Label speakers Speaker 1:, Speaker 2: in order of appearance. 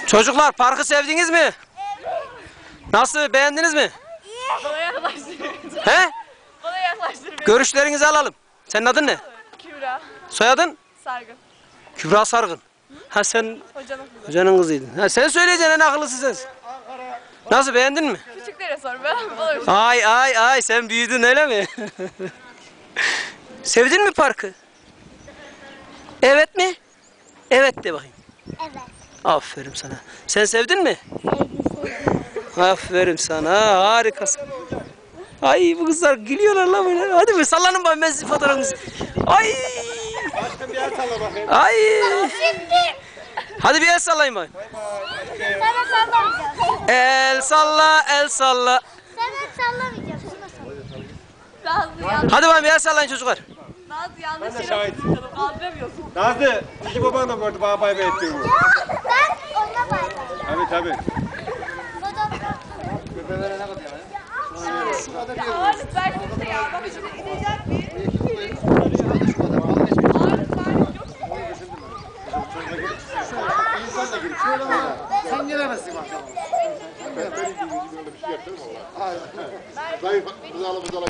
Speaker 1: Çocuklar parkı sevdiniz mi? Nasıl, beğendiniz mi?
Speaker 2: Bana yaklaştırın.
Speaker 1: He?
Speaker 2: Bana yaklaştırın.
Speaker 1: Görüşlerinizi alalım. Senin adın ne?
Speaker 2: Kübra.
Speaker 1: Soyadın?
Speaker 2: Sargın.
Speaker 1: Kübra Sargın. Ha sen
Speaker 2: Hocanın kızı.
Speaker 1: hocanın kızıydın. Ha sen söyleyeceksin, en akıllısı sensin. Nasıl, beğendin mi?
Speaker 2: Küçüklere sor. Ben olur.
Speaker 1: Ay sen büyüdün öyle mi? Sevdin mi parkı? Evet mi? Evet de bakayım.
Speaker 3: Evet.
Speaker 1: Aferin sana. Sen sevdin mi? Aferin sana. Harikasın. Ay bu kızlar gülüyorlar lan böyle. Hadi bir sallanın bakayım, ben sizin fotoğrafınızı. Ay.
Speaker 4: Başka bir yer salla bakayım.
Speaker 1: Ay.
Speaker 3: Şimdi
Speaker 1: Hadi bir el sallayın bakayım.
Speaker 3: sana sallamayacağım.
Speaker 1: El salla, el salla.
Speaker 3: Sana sallamayacağım. Şuna sallayacağım.
Speaker 2: Nazlı yanlış.
Speaker 1: Hadi bakayım bir el sallayın çocuklar.
Speaker 2: Nazlı yanlış
Speaker 4: Ben de
Speaker 2: yere
Speaker 4: şahidim.
Speaker 2: tutalım. Kaldıramıyorsun.
Speaker 4: Nazlı, iki baban da gördü bana bay bay ettiğini.
Speaker 3: Ya ben ona bakacağım.
Speaker 4: Tabii.
Speaker 2: Ağırlık versin de ya. Bak şimdi inecek bir. Ağırlık versin yok.
Speaker 5: Sen gelemezsin bakalım.
Speaker 6: Zayıf, buzdolabı